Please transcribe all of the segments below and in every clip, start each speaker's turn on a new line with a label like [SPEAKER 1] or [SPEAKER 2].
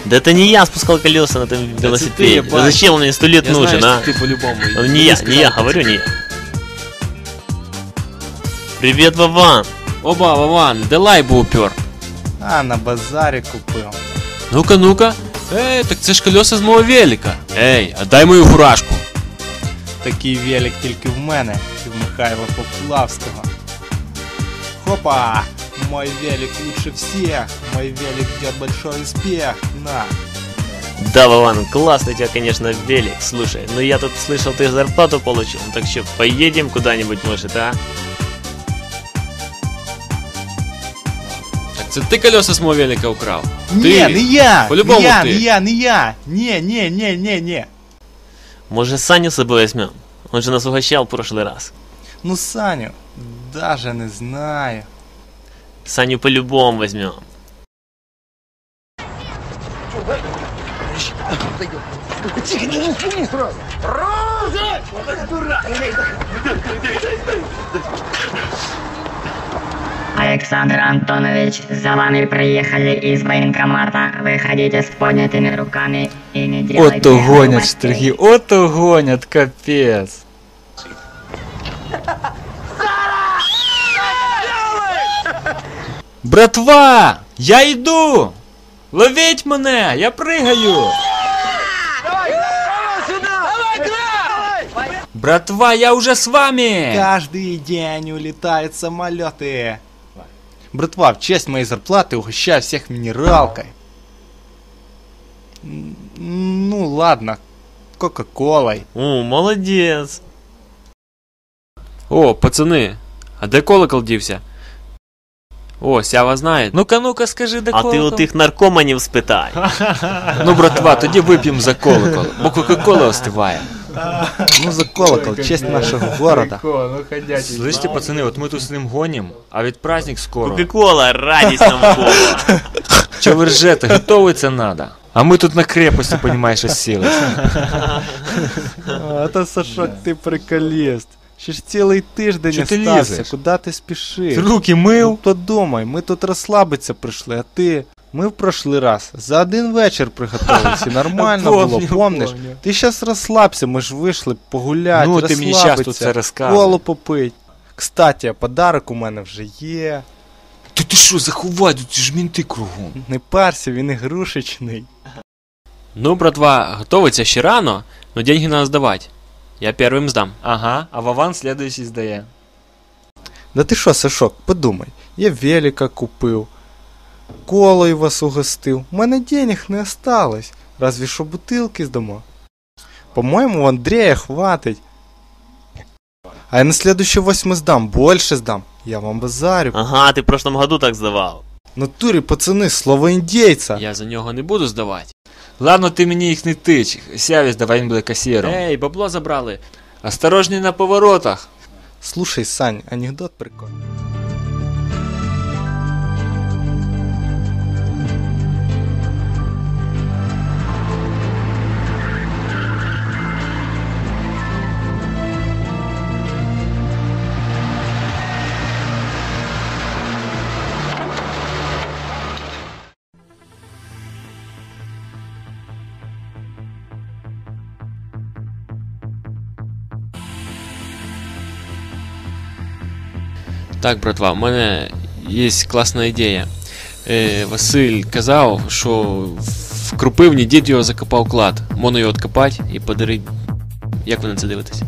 [SPEAKER 1] Да это не я спускал колеса на этом велосипеде. Да зачем он мне 100 лет нужен, а?
[SPEAKER 2] Ты по-любому.
[SPEAKER 1] Не я, говорю, не я. Привет, Вован.
[SPEAKER 2] Оба, Вован, де лайбу упер?
[SPEAKER 3] А, на базарі купив.
[SPEAKER 2] Ну-ка, ну-ка. Эй, так це ж колеса з мого велика. Ей, отдай мою фуражку.
[SPEAKER 3] Такий велик тільки в мене і в Михайла Поплавського. Хопа! Мой велик лучше всех. Мой велик ждет большой успех. На.
[SPEAKER 1] Да, Вован, классный у тебя, конечно, велик. Слушай, ну я тут слышал, ты зарплату получил. Так что, поедем куда-нибудь, может, а?
[SPEAKER 2] Так це ти колеса з мого велика украв?
[SPEAKER 3] Не, не я!
[SPEAKER 2] По-любому
[SPEAKER 3] не я,
[SPEAKER 2] ты.
[SPEAKER 3] не я! Не.
[SPEAKER 1] Может, Саню с собой возьмем? Он же нас угощал в прошлый раз.
[SPEAKER 3] Ну, Саню, даже не знаю.
[SPEAKER 1] Саню по-любому возьмем.
[SPEAKER 4] Александр Антонович, за вами приехали из военкомата. Выходите с поднятыми руками и не делайте
[SPEAKER 5] Ото гонять
[SPEAKER 4] глупостей.
[SPEAKER 5] штриги, ото гонять, капець. Братва, я йду! Ловіть мене, я пригаю! Братва, я уже с вами!
[SPEAKER 3] Каждый день улетают самолеты. Братва, в честь моей зарплаты угощаю всех минералкой. Ну ладно, кока-колой.
[SPEAKER 1] О, молодец.
[SPEAKER 2] О, пацани, а де колокол дівся? О, Сява знає.
[SPEAKER 5] Ну-ка, ну-ка, скажи, де
[SPEAKER 1] А
[SPEAKER 5] колокол?
[SPEAKER 1] ти у тих наркоманів спитай.
[SPEAKER 5] Ну, братва, тоді вип'ємо за колокол, бо кока-кола остиває.
[SPEAKER 3] Ну за колокол, честь нашего города.
[SPEAKER 5] Слышите, пацаны, вот мы тут с ним гоним, а ведь праздник скоро.
[SPEAKER 1] Кока-кола, радість навколо.
[SPEAKER 5] Че вы ржете, готовиться надо. А мы тут на крепости, понимаешь, осілись.
[SPEAKER 3] Это, Сашок, ты приколіст. Ще ж цілий тиждень
[SPEAKER 5] Чо ти
[SPEAKER 3] остався,
[SPEAKER 5] лізеш?
[SPEAKER 3] куди ти спішиш?
[SPEAKER 5] Ти руки
[SPEAKER 3] Ну
[SPEAKER 5] мив?
[SPEAKER 3] подумай, ми тут розслабитися прийшли, а ти... Ми в прошлий раз за один вечір приготувалися, нормально було, помниш? Ти щас розслабся, ми ж вийшли погуляти,
[SPEAKER 5] Ну, ти мені щас тут це розказуй.
[SPEAKER 3] коло попить. Кстати, подарок у мене вже є.
[SPEAKER 5] Ти що, заховай, тут ж мінти кругом.
[SPEAKER 3] Не парся, він ігрушечний.
[SPEAKER 2] Ну, братва, готовиться ще рано, но деньги надо здавати. Я первым здам.
[SPEAKER 5] Ага, а Вован следующий здає.
[SPEAKER 3] Да ти що, Сашок, подумай, я велика купив, колою вас угостив, у мене денег не осталось, разве що бутилки здамо. По-моєму, у Андрея хватить. А я на следующий 8 здам, больше здам, я вам базарю.
[SPEAKER 1] Ага, ти в прошлом году так здавав.
[SPEAKER 3] В натурі, пацани, слово індійця.
[SPEAKER 2] Я за нього не буду здавати.
[SPEAKER 5] Ладно, ти мені їх не тич, Сяві здавай, він буде касіром.
[SPEAKER 2] Ей, бабло забрали.
[SPEAKER 5] Осторожней на поворотах.
[SPEAKER 3] Слушай, Сань, анекдот прикольний.
[SPEAKER 2] Так, братва, у мене є класна ідея. Василь казав, що в Крупивні дід його закопав клад. Можна його відкопати і подарити. Як ви на це дивитесь?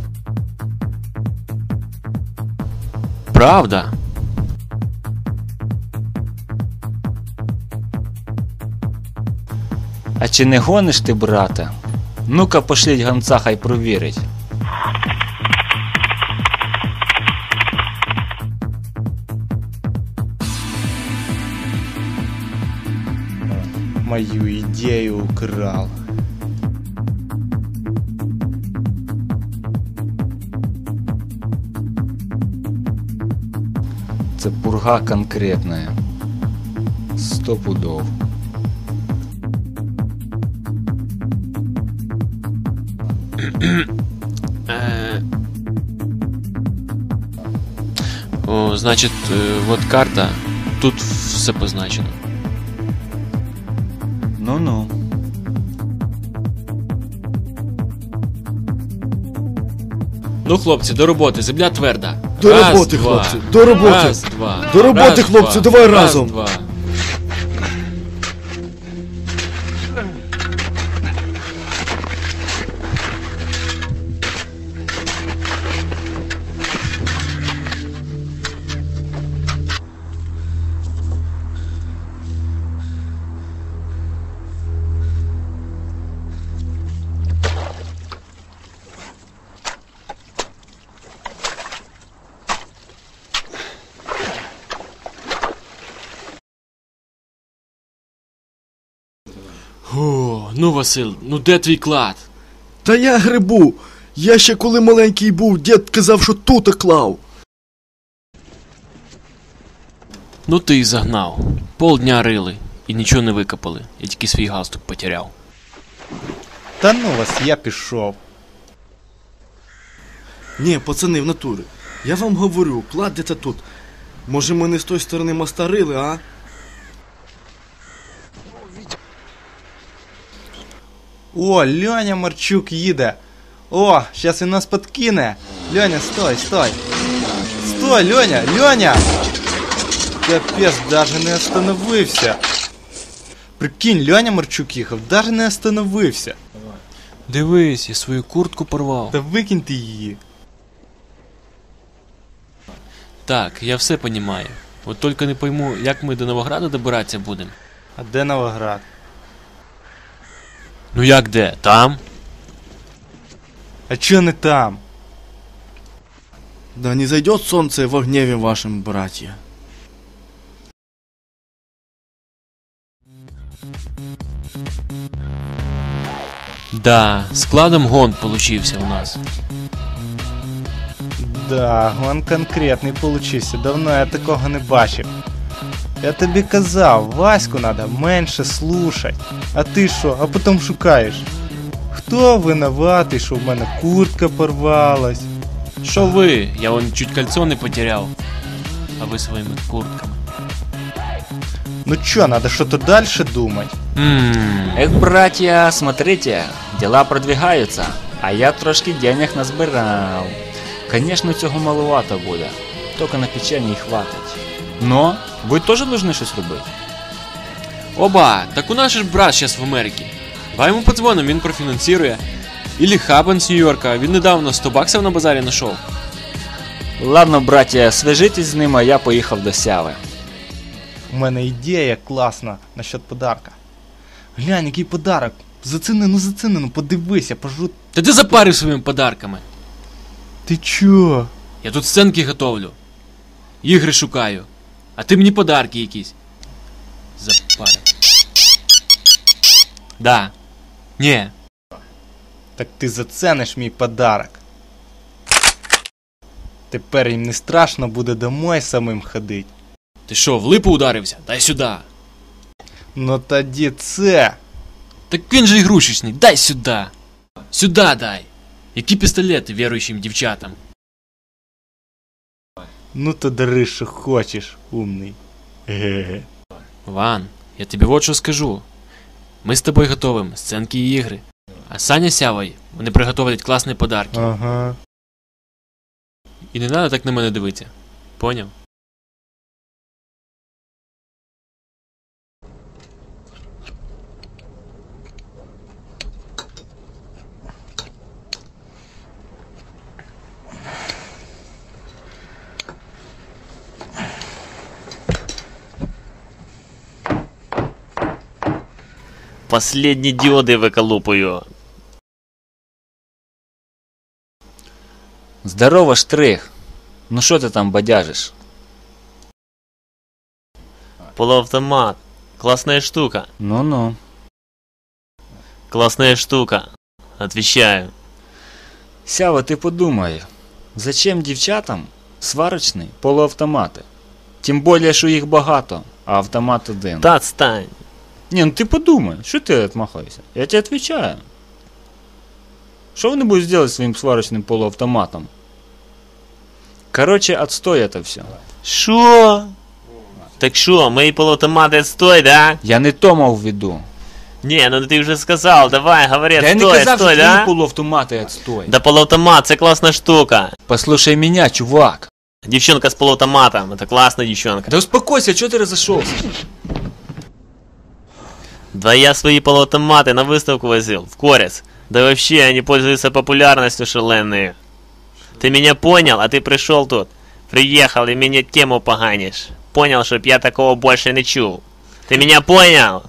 [SPEAKER 2] Правда?
[SPEAKER 5] А чи не гониш ти, брате? Ну-ка пошліть гонца, хай провірить.
[SPEAKER 3] Мою ідею украл.
[SPEAKER 5] Це пурга конкретная. 100 пудов.
[SPEAKER 2] О, значить, вот карта. Тут все позначено.
[SPEAKER 5] Ну-ну.
[SPEAKER 2] Ну, хлопці, до роботи, земля тверда.
[SPEAKER 6] До
[SPEAKER 2] Раз,
[SPEAKER 6] роботи,
[SPEAKER 2] два.
[SPEAKER 6] хлопці, до роботи.
[SPEAKER 2] Раз, два.
[SPEAKER 6] До роботи,
[SPEAKER 2] Раз,
[SPEAKER 6] хлопці,
[SPEAKER 2] два.
[SPEAKER 6] давай
[SPEAKER 2] Раз,
[SPEAKER 6] разом.
[SPEAKER 2] два. О, ну, Василь, ну де твій клад?
[SPEAKER 6] Та я грибу. Я ще коли маленький був, дід казав, що тут клав.
[SPEAKER 2] Ну ти і загнав. Полдня рили і нічого не викопали. Я тільки свій галстук потеряв.
[SPEAKER 3] Та ну вас, я пішов.
[SPEAKER 6] Ні, пацани, в натурі. Я вам говорю, клад де-то тут. Може ми не з тої сторони моста рили, а?
[SPEAKER 3] О, Льоня Марчук їде. О, щас він нас подкине. Льоня, стой, стой. Стой, Льоня, Льоня! Капець, даже не остановився. Прикинь, Льоня Марчук їхав, даже не остановився.
[SPEAKER 2] Дивись, я свою куртку порвав.
[SPEAKER 3] Та викинь ти її.
[SPEAKER 2] Так, я все понімаю. От тільки не пойму, як ми до Новограда добиратися будемо.
[SPEAKER 3] А де Новоград?
[SPEAKER 2] Ну як де? Там?
[SPEAKER 3] А чо не там?
[SPEAKER 6] Да не зайдет солнце во гневе вашим, братья.
[SPEAKER 2] Да, складом гон получився у нас.
[SPEAKER 3] Да, он конкретний получився, давно я такого не бачив. Я тобі казав, Ваську надо менше слушать. А ти що, а потім шукаєш? Хто винуватий, що в мене куртка порвалась?
[SPEAKER 2] Що ви? Я вон чуть кольцо не потеряв. А ви своїми куртками.
[SPEAKER 3] Ну чё, надо что-то дальше думать.
[SPEAKER 5] Эх, братья, смотрите, дела продвигаются, а я трошки денег назбирав. Конечно, цього маловато буде, тільки на печення й хватить. Но ви теж должны щось робити.
[SPEAKER 2] Оба, так у нас же ж брат зараз в Америці. Давай йому подзвоним, він профінансує. Ілі Хабен з Нью-Йорка, він недавно 100 баксів на базарі знайшов.
[SPEAKER 5] Ладно, братья, свяжитесь з ним, а я поїхав до Сяви.
[SPEAKER 3] У мене ідея класна насчет подарка. Глянь, який подарок. Зацени, ну подивися, пожу.
[SPEAKER 2] Та ти запарив своїми подарками.
[SPEAKER 3] Ти чо?
[SPEAKER 2] Я тут сценки готовлю. Ігри шукаю. А ти мені подарки якісь. Запарив. Да. Ні.
[SPEAKER 3] Так ти зацениш мій подарок. Тепер їм не страшно буде домой самим ходить.
[SPEAKER 2] Ти що, в липу ударився? Дай сюди.
[SPEAKER 3] Ну тоді це.
[SPEAKER 2] Так він же ігрушечний, дай сюди. Сюди дай. Які пістолети віруючим дівчатам?
[SPEAKER 3] Ну то дари, що хочеш, умний. Ге-ге.
[SPEAKER 2] Ван, я тобі вот що скажу. Ми з тобою готовим сценки і ігри. А Саня з Сявою, вони приготовлять класні подарки.
[SPEAKER 3] Ага.
[SPEAKER 2] І не треба так на мене дивитися. Поняв?
[SPEAKER 1] Последні діоди виколупую.
[SPEAKER 5] Здорово, Штрих. Ну що ти там бадяжиш?
[SPEAKER 1] Полуавтомат. Классная штука.
[SPEAKER 5] Ну-ну.
[SPEAKER 1] Классная штука. Отвечаю.
[SPEAKER 5] Сява, ти подумай, зачем дівчатам сварочні полуавтомати? Тим більше, що їх багато, а автомат один.
[SPEAKER 1] Та отстань.
[SPEAKER 5] Не, ну ты подумай, что ты отмахаешься? Я тебе отвечаю. Что они будут делать своим сварочным полуавтоматом? Короче, отстой это все.
[SPEAKER 1] Шо? Так шо, мої полуавтомати стой, да?
[SPEAKER 5] Я не то мав в виду.
[SPEAKER 1] Не, ну ты уже сказал, давай, говори,
[SPEAKER 5] Да я не
[SPEAKER 1] стой,
[SPEAKER 5] казав,
[SPEAKER 1] стой,
[SPEAKER 5] що
[SPEAKER 1] да?
[SPEAKER 5] твої полуавтомати отстой.
[SPEAKER 1] Да полуавтомат, це класна штука.
[SPEAKER 5] Послушай меня, чувак.
[SPEAKER 1] Девчонка с полуавтоматом, это классная девчонка.
[SPEAKER 5] Да успокойся, чё ты разошелся?
[SPEAKER 1] Да я свои полуавтоматы на выставку возил, в Корец. Да вообще, они пользуются популярностью шаленной. Ты меня понял, а ты пришел тут. Приехал и мне тему поганишь. Понял, чтоб я такого больше не чул. Ты меня понял?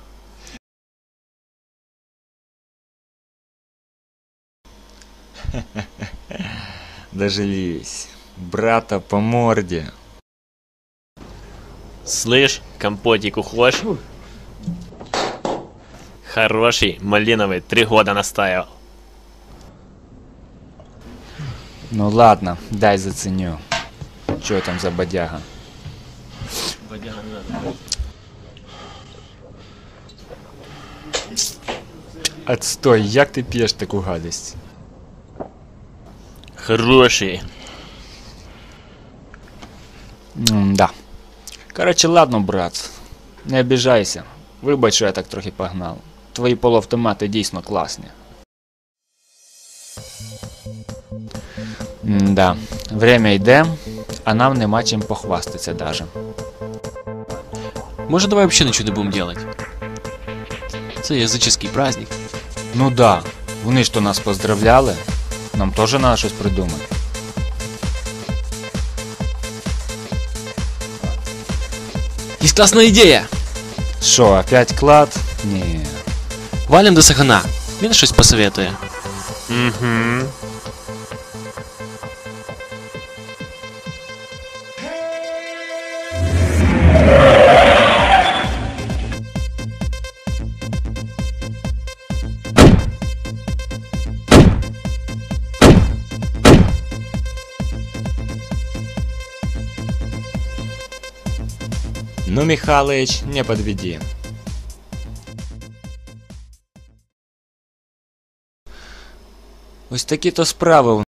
[SPEAKER 5] Дожились. Брата по морде.
[SPEAKER 1] Слышь, компотик ухож? Хороший, малиновый, 3 года настаивал.
[SPEAKER 5] Ну ладно, дай заценю. Чё там за бодяга? Отстой, як ти п'єш таку гадость?
[SPEAKER 1] Хороший.
[SPEAKER 5] Да. Короче, ладно, брат. Не обіжайся. Вибач, що я так трохи погнав. Твої полуавтомати дійсно класні. Да. Время йде, а нам нема чим похвастатися даже.
[SPEAKER 2] Может, давай вообще ничего не будем делать? Это языческий праздник.
[SPEAKER 5] Ну да, вони ж то нас поздравляли. Нам теж треба щось придумати.
[SPEAKER 2] Есть классная идея!
[SPEAKER 5] Що, опять клад? Ні.
[SPEAKER 2] Валим до Сахана. Він щось посоветує.
[SPEAKER 1] Угу.
[SPEAKER 5] Ну, Михалыч, не подведи. Ось такі то справи